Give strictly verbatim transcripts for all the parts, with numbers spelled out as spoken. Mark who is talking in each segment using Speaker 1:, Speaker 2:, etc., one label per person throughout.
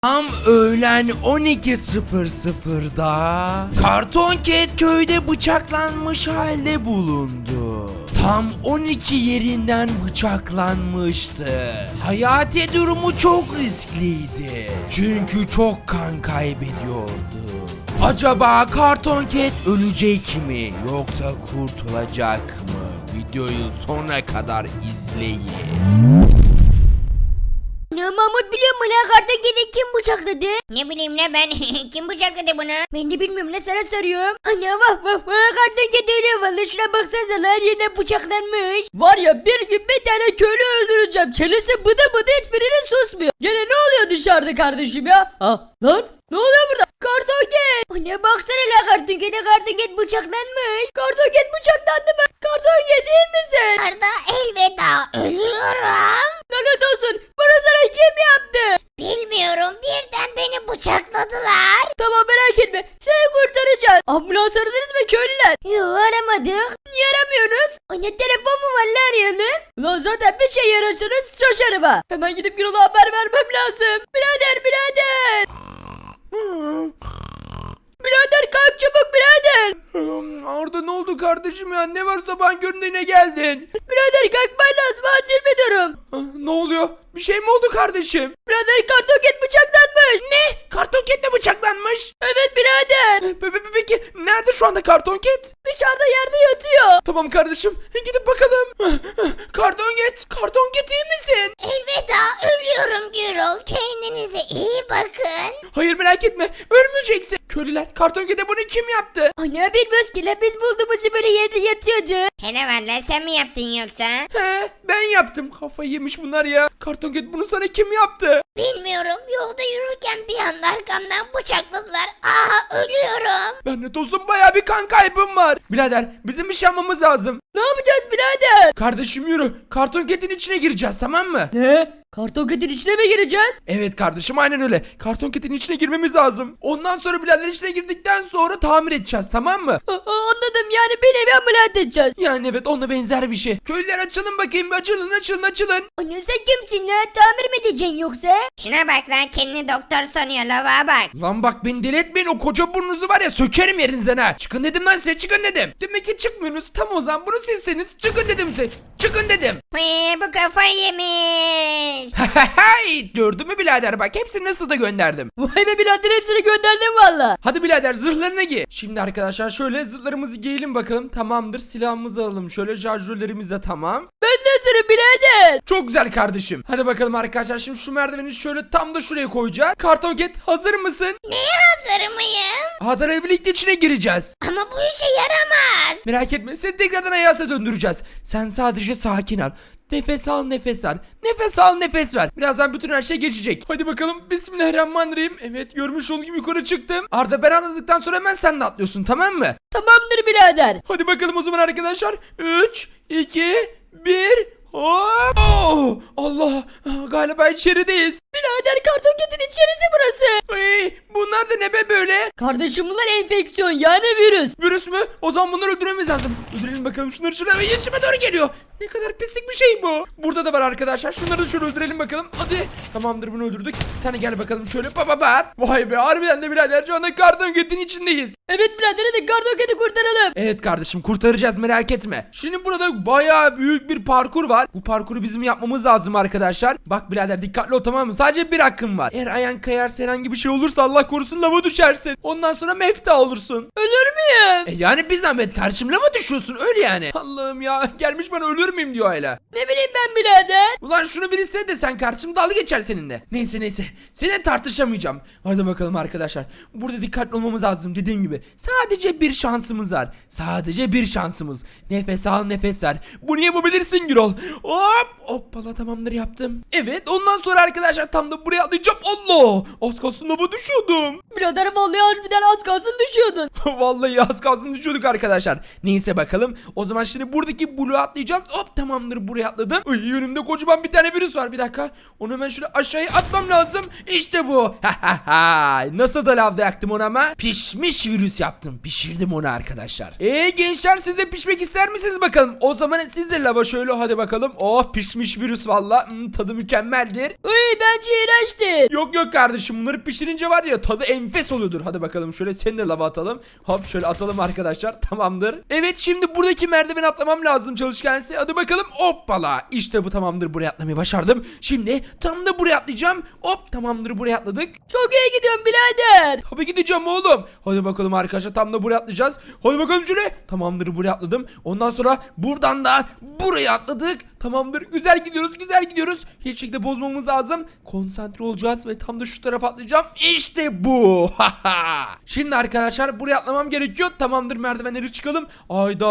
Speaker 1: Tam öğlen on iki sıfır sıfırda Karton Cat köyde bıçaklanmış halde bulundu. Tam on iki yerinden bıçaklanmıştı. Hayati durumu çok riskliydi. Çünkü çok kan kaybediyordu. Acaba Karton Cat ölecek mi yoksa kurtulacak mı? Videoyu sonuna kadar izleyin.
Speaker 2: Ne Mahmut biliyor musun lan Karton Cat'i kim bıçakladı?
Speaker 3: Ne bileyim ne ben kim bıçakladı bunu?
Speaker 2: Ben de bilmiyorum ne sana soruyorum. Ana vah vah vah Karton Cat ölüyor valla şuna baksanıza lan yerine bıçaklanmış. Var ya bir gün bir tane köylü öldüreceğim. Çenesi bıdı bıdı hiçbirinin susmuyor. Gene ne oluyor dışarıda kardeşim ya? Ha lan ne oluyor burada? Karton Cat. Anne baksana la Karton Cat'e Karton Cat bıçaklanmış. Karton Cat bıçaklandı mı? Karton Cat iyi misin?
Speaker 3: Arda elveda ölüyorum.
Speaker 2: Lanet olsun. Bunu sana kim yaptı?
Speaker 3: Bilmiyorum birden beni bıçakladılar.
Speaker 2: Tamam merak etme. Seni kurtaracağız. Ambulans aradınız mı köylüler? Yok aramadık. Niye aramıyorsunuz? Anne telefon mu var lan arayalım? Ulan zaten bir şey yararsanız şaşarım ha. Hemen gidip Gürol'a haber vermem lazım. Birader birader. Birader kalk çabuk birader.
Speaker 1: Arda ne oldu kardeşim ya? Ne var sabahın köründe yine geldin?
Speaker 2: Birader kalkman lazım acil bir durum.
Speaker 1: Ah, ne oluyor? Bir şey mi oldu kardeşim?
Speaker 2: Birader Karton Cat bıçaklanmış.
Speaker 1: Ne? Karton Cat de bıçaklanmış.
Speaker 2: Evet birader.
Speaker 1: Pe- pe- Peki nerede şu anda Karton Cat?
Speaker 2: Dışarıda yerde yatıyor.
Speaker 1: Tamam kardeşim gidip bakalım. Karton Cat, Karton Cat iyi misin?
Speaker 3: Elveda ölüyorum Gürol. Kendinize iyi bakın.
Speaker 1: Hayır merak etme ölmeyeceksin. Köylüler Karton Cat'e bunu kim yaptı?
Speaker 2: Anne bilmiyoruz ki la biz bulduğumuzda böyle yerde yatıyordu.
Speaker 3: Hele var lan sen mi yaptın yoksa?
Speaker 1: He ben yaptım. Kafayı yemiş bunlar ya. Karton Cat bunu sana kim yaptı?
Speaker 3: Bilmiyorum yolda yürürken bir anda arkamdan bıçakladılar. Aha ölüyorum.
Speaker 1: Ben de dostum baya bir kan kaybım var. Birader bizim bir şey yapmamız lazım.
Speaker 2: Ne yapacağız birader?
Speaker 1: Kardeşim yürü. Karton Cat'in içine gireceğiz tamam mı?
Speaker 2: Ne? Karton Cat'in içine mi gireceğiz?
Speaker 1: Evet kardeşim aynen öyle. Karton Cat'in içine girmemiz lazım. Ondan sonra birader içine girdikten sonra tamir edeceğiz tamam mı?
Speaker 2: A- anladım yani bir nevi ameliyat edeceğiz.
Speaker 1: Yani evet ona benzer bir şey. Köylüler açılın bakayım açılın açılın açılın.
Speaker 2: Anne sen kimsin lan? Tamir mi edeceksin yoksa?
Speaker 3: Şuna bak lan kendini doktor sanıyor lava bak.
Speaker 1: Lan bak beni deli etmeyin o koca burnunuzu var ya sökerim yerinizden ha. Çıkın dedim lan size çıkın dedim. Demek ki çıkmıyorsunuz tam o zaman bunu silseniz çıkın dedim size. Çıkın dedim.
Speaker 3: Hii, bu kafayı yemiş.
Speaker 1: Hay gördün mü birader bak hepsini nasıl da gönderdim.
Speaker 2: Vay be birader hepsini gönderdim valla.
Speaker 1: Hadi birader zırhlarını giy. Şimdi arkadaşlar şöyle zırhlarımızı giyelim bakalım. Tamamdır silahımızı alalım. Şöyle şarjörlerimiz de tamam.
Speaker 2: Ben de sırrı birader.
Speaker 1: Çok güzel kardeşim. Hadi bakalım arkadaşlar şimdi şu merdiveni şöyle tam da şuraya koyacağız. Karton Cat hazır mısın?
Speaker 3: Neye hazır mıyım?
Speaker 1: Hadar'la birlikte içine gireceğiz.
Speaker 3: Ama bu işe yaramaz.
Speaker 1: Merak etme seni tekrardan hayata döndüreceğiz. Sen sadece sakin ol. Nefes al nefes al. Nefes al nefes ver. Birazdan bütün her şey geçecek. Hadi bakalım bismillahirrahmanirrahim. Evet görmüş olduğunuz gibi yukarı çıktım. Arda ben atladıktan sonra hemen sen de atlıyorsun tamam mı?
Speaker 2: Tamamdır birader.
Speaker 1: Hadi bakalım o zaman arkadaşlar. üç, iki, bir. Hop! Oh! Allah! Galiba içerideyiz.
Speaker 2: Birader Karton Cat'in içerisi burası.
Speaker 1: Ay, bunlar da ne be böyle?
Speaker 2: Kardeşim bunlar enfeksiyon yani virüs.
Speaker 1: Virüs mü? O zaman bunları öldürmemiz lazım. Öldürelim bakalım şunları şöyle. Ay, üstüme doğru geliyor. Ne kadar pislik bir şey bu. Burada da var arkadaşlar. Şunları da şöyle öldürelim bakalım. Hadi. Tamamdır bunu öldürdük. Sen de gel bakalım şöyle. Baba bat. Vay be harbiden de birader şu anda Karton Cat'in içindeyiz.
Speaker 2: Evet birader hadi Karton Cat'i kurtaralım.
Speaker 1: Evet kardeşim kurtaracağız merak etme. Şimdi burada bayağı büyük bir parkur var. Bu parkuru bizim yapmamız lazım arkadaşlar. Bak birader dikkatli ol tamam mı? Sadece bir hakkın var. Eğer ayağın kayarsa herhangi bir şey olursa Allah korusun lava düşersin. Ondan sonra mefta olursun.
Speaker 2: Ölür müyüm?
Speaker 1: E yani bir zahmet kardeşim lava düşüyorsun öyle yani. Allah'ım ya gelmiş bana ölür müyüm diyor hala.
Speaker 2: Ne bileyim ben birader.
Speaker 1: Ulan şunu bilirse de sen kardeşim dalga geçer seninle. Neyse neyse seninle tartışamayacağım. Hadi bakalım arkadaşlar. Burada dikkatli olmamız lazım dediğim gibi. Sadece bir şansımız var. Sadece bir şansımız. Nefes al nefes ver. Bunu yapabilirsin Gürol. Hop hoppala tamamdır yaptım. Evet ondan sonra arkadaşlar tam da buraya atlayacağım. Allah az kalsın lava düşüyordum.
Speaker 2: Birader vallahi harbiden az kalsın düşüyordun.
Speaker 1: Vallahi az kalsın düşüyorduk arkadaşlar. Neyse bakalım. O zaman şimdi buradaki bloğu atlayacağız. Hop tamamdır buraya atladım. Ay, önümde kocaman bir tane virüs var. Bir dakika. Onu hemen şöyle aşağıya atmam lazım. İşte bu. Nasıl da lavda yaktım onu ama. Pişmiş virüs. virüs yaptım. Pişirdim onu arkadaşlar. Eee gençler siz de pişmek ister misiniz bakalım? O zaman siz de lava şöyle hadi bakalım. Oh pişmiş virüs valla. Hmm, tadı mükemmeldir.
Speaker 2: Uy bence iğrençtir.
Speaker 1: Yok yok kardeşim bunları pişirince var ya tadı enfes oluyordur. Hadi bakalım şöyle seni de lava atalım. Hop şöyle atalım arkadaşlar. Tamamdır. Evet şimdi buradaki merdiven atlamam lazım çalışkansı. Hadi bakalım hoppala. İşte bu tamamdır, buraya atlamayı başardım. Şimdi tam da buraya atlayacağım. Hop tamamdır, buraya atladık.
Speaker 2: Çok iyi gidiyorsun birader.
Speaker 1: Tabii gideceğim oğlum. Hadi bakalım arkadaşlar tam da buraya atlayacağız. Hadi bakalım şöyle. Tamamdır buraya atladım. Ondan sonra buradan da buraya atladık. Tamamdır güzel gidiyoruz güzel gidiyoruz. Hiçbir şekilde bozmamız lazım. Konsantre olacağız ve tam da şu tarafa atlayacağım. İşte bu. Şimdi arkadaşlar buraya atlamam gerekiyor. Tamamdır merdivenleri çıkalım. Ayda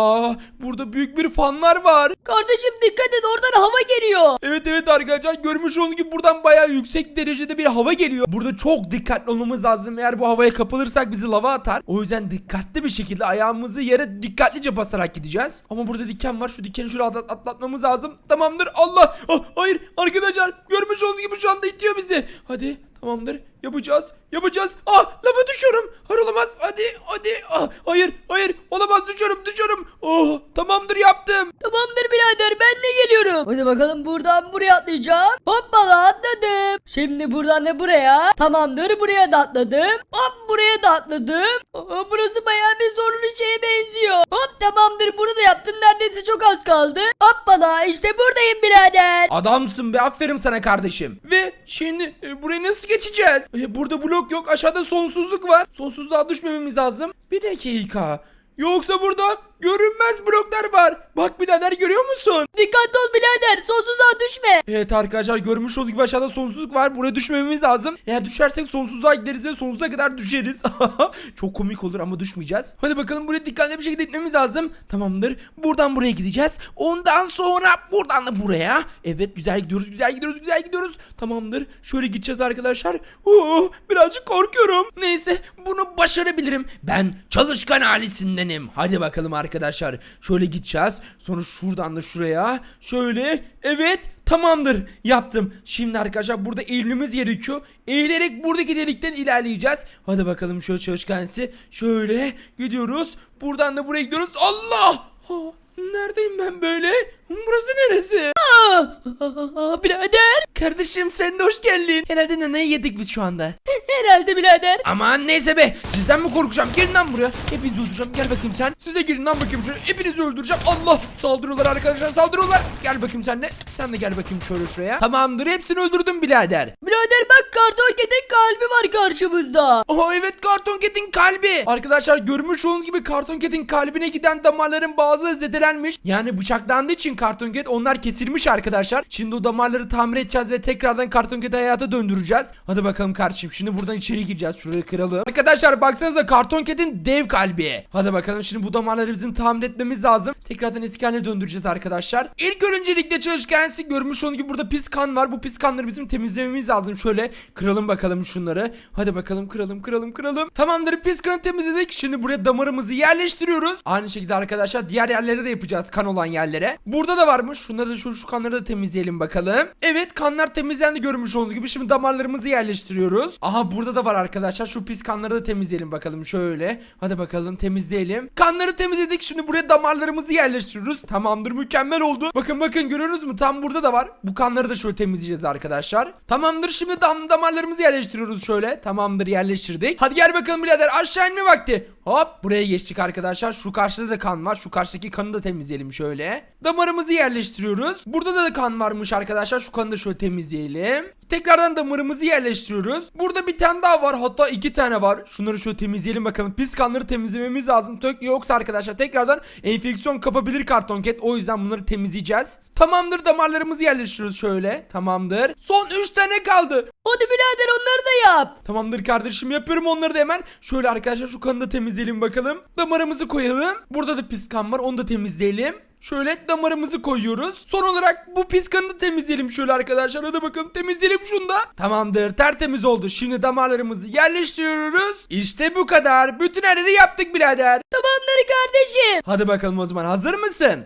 Speaker 1: burada büyük bir fanlar var.
Speaker 2: Kardeşim dikkat et oradan hava geliyor.
Speaker 1: Evet evet arkadaşlar görmüş olduğunuz gibi buradan bayağı yüksek derecede bir hava geliyor. Burada çok dikkatli olmamız lazım. Eğer bu havaya kapılırsak bizi lava atar. O yüzden dikkatli bir şekilde ayağımızı yere dikkatlice basarak gideceğiz. Ama burada diken var. Şu dikeni şöyle atlat atlatmamız lazım. Tamamdır. Allah. Ah, hayır arkadaşlar görmüş olduğunuz gibi şu anda itiyor bizi. Hadi tamamdır. Yapacağız. Yapacağız. Ah lava düşüyorum. Hayır olamaz. Hadi hadi. Ah, hayır hayır olamaz düşüyorum düşüyorum. Oh tamamdır yaptım.
Speaker 2: Tamamdır birader ben de geliyorum. Hadi bakalım buradan buraya atlayacağım. Hoppala atladım. Şimdi buradan da buraya. Tamamdır buraya da atladım. Hop buraya da atladım. Aa, burası bayağı bir zorlu şeye benziyor. Hop tamamdır bunu da yaptım. Neredeyse çok az kaldı. Hoppala işte buradayım birader.
Speaker 1: Adamsın be, aferin sana kardeşim. Ve şimdi e, burayı nasıl geçeceğiz? E, burada blok yok, aşağıda sonsuzluk var. Sonsuzluğa düşmememiz lazım. Bir dakika. Yoksa burada görünmez bloklar var. Bak birader görüyor musun?
Speaker 2: Dikkatli ol birader sonsuzluğa düşme.
Speaker 1: Evet arkadaşlar görmüş olduğunuz gibi aşağıda sonsuzluk var. Buraya düşmememiz lazım. Eğer düşersek sonsuzluğa gideriz ve sonsuza kadar düşeriz. Çok komik olur ama düşmeyeceğiz. Hadi bakalım buraya dikkatli bir şekilde gitmemiz lazım. Tamamdır. Buradan buraya gideceğiz. Ondan sonra buradan da buraya. Evet güzel gidiyoruz güzel gidiyoruz güzel gidiyoruz. Tamamdır. Şöyle gideceğiz arkadaşlar. Oo, birazcık korkuyorum. Neyse bunu başarabilirim. Ben çalışkan ailesindenim. Hadi bakalım arkadaşlar. Şöyle gideceğiz. Sonra şuradan da şuraya. Şöyle. Evet. Tamamdır. Yaptım. Şimdi arkadaşlar burada eğilmemiz gerekiyor. Eğilerek buradaki delikten ilerleyeceğiz. Hadi bakalım şöyle çalışkansı. Şöyle gidiyoruz. Buradan da buraya gidiyoruz. Allah! Oh, neredeyim ben böyle? Burası neresi?
Speaker 2: Aa, aa, birader.
Speaker 1: Kardeşim sen de hoş geldin. Herhalde naneyi yedik biz şu anda.
Speaker 2: Herhalde birader.
Speaker 1: Aman neyse be. Sizden mi korkacağım? Gelin lan buraya. Hepinizi öldüreceğim. Gel bakayım sen. Siz de gelin lan bakayım şöyle. Hepinizi öldüreceğim. Allah. Saldırıyorlar arkadaşlar saldırıyorlar. Gel bakayım sen de. Sen de gel bakayım şöyle şuraya. Tamamdır. Hepsini öldürdüm birader.
Speaker 2: Birader bak karton kedin kalbi var karşımızda.
Speaker 1: Oha evet karton kedin kalbi. Arkadaşlar görmüş olduğunuz gibi karton kedin kalbine giden damarların bazıları zedelenmiş. Yani bıçaklandığı için karton ked onlar kesilmiş arkadaşlar. Şimdi o damarları tamir edeceğiz ve tekrardan karton kedi hayata döndüreceğiz. Hadi bakalım kardeşim. Şimdi buradan içeri gireceğiz. Şurayı kıralım. Arkadaşlar baksanıza karton kedin dev kalbi. Hadi bakalım şimdi bu damarları bizim tamir etmemiz lazım. Tekrardan eski haline döndüreceğiz arkadaşlar. İlk öncelikle çalışkansı görmüş olduğunuz gibi burada pis kan var. Bu pis kanları bizim temizlememiz lazım. Şöyle kıralım bakalım şunları. Hadi bakalım kıralım kıralım kıralım. Tamamdır pis kanı temizledik. Şimdi buraya damarımızı yerleştiriyoruz. Aynı şekilde arkadaşlar diğer yerlere de yapacağız kan olan yerlere. Burada da varmış. Şunları da şu, şu kanları da temizleyelim bakalım. Evet kanlar temizlendi görmüş olduğunuz gibi. Şimdi damarlarımızı yerleştiriyoruz. Aha burada da var arkadaşlar. Şu pis kanları da temizleyelim bakalım şöyle. Hadi bakalım temizleyelim. Kanları temizledik. Şimdi buraya damarlarımızı yerleştiriyoruz. Tamamdır mükemmel oldu. Bakın bakın görüyorsunuz mu? Tam burada da var. Bu kanları da şöyle temizleyeceğiz arkadaşlar. Tamamdır şimdi dam damarlarımızı yerleştiriyoruz şöyle. Tamamdır yerleştirdik. Hadi gel bakalım birader aşağı inme vakti. Hop buraya geçtik arkadaşlar. Şu karşıda da kan var. Şu karşıdaki kanı da temizleyelim şöyle. Damarımızı yerleştiriyoruz. Burada da kan varmış arkadaşlar. Şu kanı da şöyle temizleyelim. Tekrardan damarımızı yerleştiriyoruz. Burada bir tane daha var. Hatta iki tane var. Şunları şöyle temizleyelim bakalım. Pis kanları temizlememiz lazım. Yoksa arkadaşlar tekrardan enfeksiyon kapabilir karton ket. O yüzden bunları temizleyeceğiz. Tamamdır damarlarımızı yerleştiriyoruz şöyle. Tamamdır. Son üç tane kaldı.
Speaker 2: Hadi birader onları da yap.
Speaker 1: Tamamdır kardeşim yapıyorum onları da hemen. Şöyle arkadaşlar şu kanı da temizleyelim bakalım. Damarımızı koyalım. Burada da pis kan var onu da temizleyelim. Şöyle damarımızı koyuyoruz. Son olarak bu pis kanı da temizleyelim şöyle arkadaşlar. Hadi bakalım temizleyelim şunu da. Tamamdır tertemiz oldu. Şimdi damarlarımızı yerleştiriyoruz. İşte bu kadar. Bütün her yeri yaptık birader.
Speaker 2: Tamamdır kardeşim.
Speaker 1: Hadi bakalım o zaman hazır mısın?
Speaker 2: Neye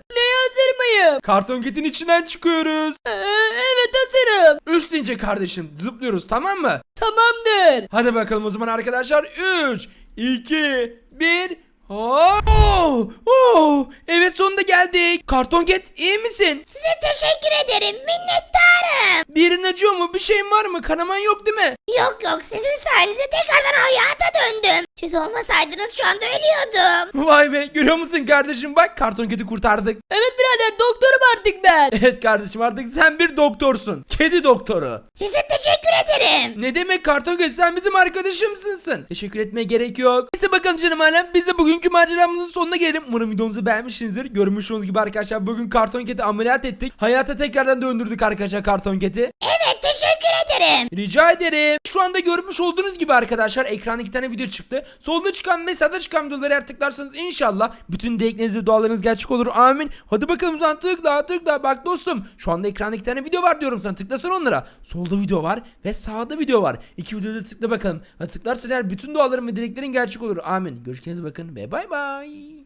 Speaker 2: hazır mıyım?
Speaker 1: Karton Cat'in içinden çıkıyoruz.
Speaker 2: Ee, evet hazırım.
Speaker 1: Üç deyince kardeşim zıplıyoruz, tamam mı?
Speaker 2: Tamamdır.
Speaker 1: Hadi bakalım o zaman arkadaşlar. Üç, iki, bir. Oh, oh. Evet, sonunda geldik. Karton Cat, iyi misin?
Speaker 3: Size teşekkür ederim. Minnettarım.
Speaker 1: Bir yerin acıyor mu? Bir şeyin var mı? Kanaman yok değil mi?
Speaker 3: Yok yok sizin sayenizde tekrardan hayata döndüm. Siz olmasaydınız şu anda ölüyordum.
Speaker 1: Vay be, görüyor musun kardeşim, bak Karton Cat'i kurtardık.
Speaker 2: Evet birader doktorum artık ben.
Speaker 1: Evet kardeşim, artık sen bir doktorsun. Kedi doktoru.
Speaker 3: Size teşekkür ederim.
Speaker 1: Ne demek Karton Cat, sen bizim arkadaşımsın. Teşekkür etmeye gerek yok. Neyse bakalım canım alem, biz de bugünkü maceramızın sonuna gelelim. Umarım videomuzu beğenmişsinizdir. Görmüş olduğunuz gibi arkadaşlar, bugün Karton Cat'i ameliyat ettik. Hayata tekrardan döndürdük arkadaşlar Karton Cat'i.
Speaker 3: Evet teşekkür ederim.
Speaker 1: Rica ederim. Şu anda görmüş olduğunuz gibi arkadaşlar, ekranda iki tane video çıktı. Solda çıkan ve sağda çıkan videoları eğer tıklarsanız inşallah bütün dilekleriniz ve dualarınız gerçek olur. Amin. Hadi bakalım, sen tıkla tıkla. Bak dostum, şu anda ekranda iki tane video var diyorum sana. Tıklasana onlara. Solda video var ve sağda video var. İki videoda tıkla bakalım. Hadi tıklarsan eğer bütün duaların ve dileklerin gerçek olur. Amin. Görüşürüz, bakın ve bay bay.